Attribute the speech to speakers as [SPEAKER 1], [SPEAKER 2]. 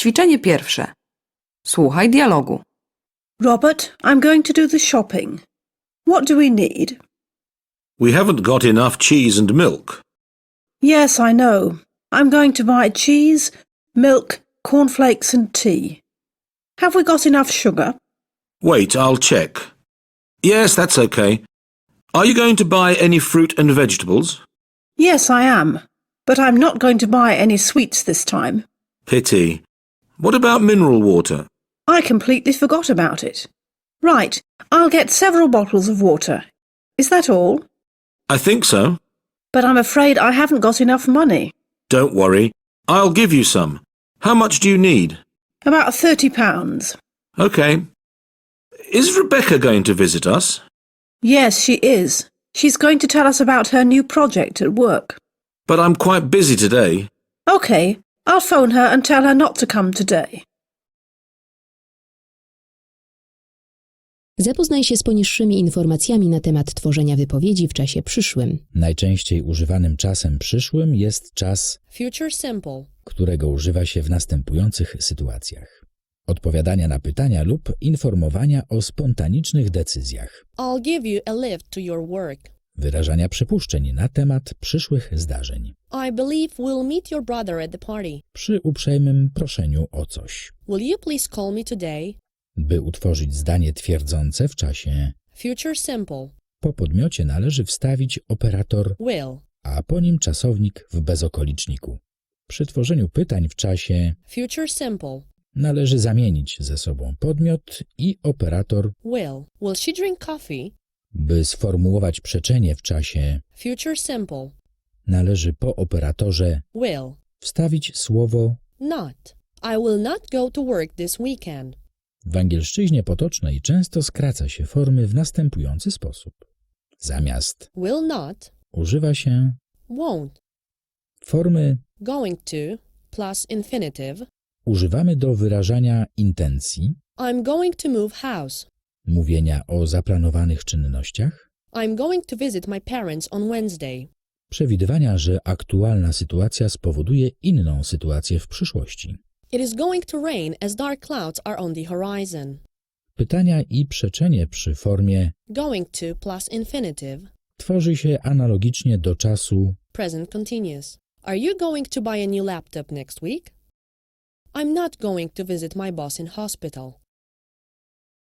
[SPEAKER 1] Ćwiczenie pierwsze. Słuchaj dialogu.
[SPEAKER 2] Robert, I'm going to do the shopping. What do we need?
[SPEAKER 3] We haven't got enough cheese and milk.
[SPEAKER 2] Yes, I know. I'm going to buy cheese, milk, cornflakes and tea. Have we got enough sugar?
[SPEAKER 3] Wait, I'll check. Yes, that's okay. Are you going to buy any fruit and vegetables?
[SPEAKER 2] Yes, I am. But I'm not going to buy any sweets this time.
[SPEAKER 3] Pity. What about mineral water?
[SPEAKER 2] I completely forgot about it. Right, I'll get several bottles of water. Is that all?
[SPEAKER 3] I think so.
[SPEAKER 2] But I'm afraid I haven't got enough money.
[SPEAKER 3] Don't worry. I'll give you some. How much do you need?
[SPEAKER 2] About £30.
[SPEAKER 3] Okay. Is Rebecca going to visit us?
[SPEAKER 2] Yes, she is. She's going to tell us about her new project at work.
[SPEAKER 3] But I'm quite busy today.
[SPEAKER 2] OK, I'll phone her and tell her not to come today.
[SPEAKER 4] Zapoznaj się z poniższymi informacjami na temat tworzenia wypowiedzi w czasie przyszłym.
[SPEAKER 5] Najczęściej używanym czasem przyszłym jest czas,
[SPEAKER 6] Future simple.
[SPEAKER 5] którego używa się w następujących sytuacjach: odpowiadania na pytania lub informowania o spontanicznych decyzjach,
[SPEAKER 6] I'll give you a lift to your work.
[SPEAKER 5] wyrażania przypuszczeń na temat przyszłych zdarzeń,
[SPEAKER 6] I believe we'll meet your brother at the party.
[SPEAKER 5] przy uprzejmym proszeniu o coś,
[SPEAKER 6] Will you please call me today?
[SPEAKER 5] by utworzyć zdanie twierdzące w czasie.
[SPEAKER 6] Future simple.
[SPEAKER 5] Po podmiocie należy wstawić operator,
[SPEAKER 6] Will.
[SPEAKER 5] a po nim czasownik w bezokoliczniku. Przy tworzeniu pytań w czasie
[SPEAKER 6] Future simple.
[SPEAKER 5] należy zamienić ze sobą podmiot i operator,
[SPEAKER 6] Will. Will she drink coffee?
[SPEAKER 5] by sformułować przeczenie w czasie.
[SPEAKER 6] Future simple.
[SPEAKER 5] Należy po operatorze
[SPEAKER 6] Will.
[SPEAKER 5] wstawić słowo.
[SPEAKER 6] Not. I will not go to work this weekend.
[SPEAKER 5] W angielszczyźnie potocznej często skraca się formy w następujący sposób. Zamiast
[SPEAKER 6] Will not.
[SPEAKER 5] używa się
[SPEAKER 6] Won't.
[SPEAKER 5] formy
[SPEAKER 6] Going to plus infinitive.
[SPEAKER 5] używamy do wyrażania intencji,
[SPEAKER 6] I'm going to move house.
[SPEAKER 5] mówienia o zaplanowanych czynnościach,
[SPEAKER 6] I'm going to visit my parents on Wednesday.
[SPEAKER 5] przewidywania, że aktualna sytuacja spowoduje inną sytuację w przyszłości.
[SPEAKER 6] It is going to rain as dark clouds are on the horizon.
[SPEAKER 5] Pytania i przeczenie przy formie
[SPEAKER 6] Going to plus infinitive.
[SPEAKER 5] tworzy się analogicznie do czasu.
[SPEAKER 6] Present continuous. Are you going to buy a new laptop next week? I'm not going to visit my boss in hospital.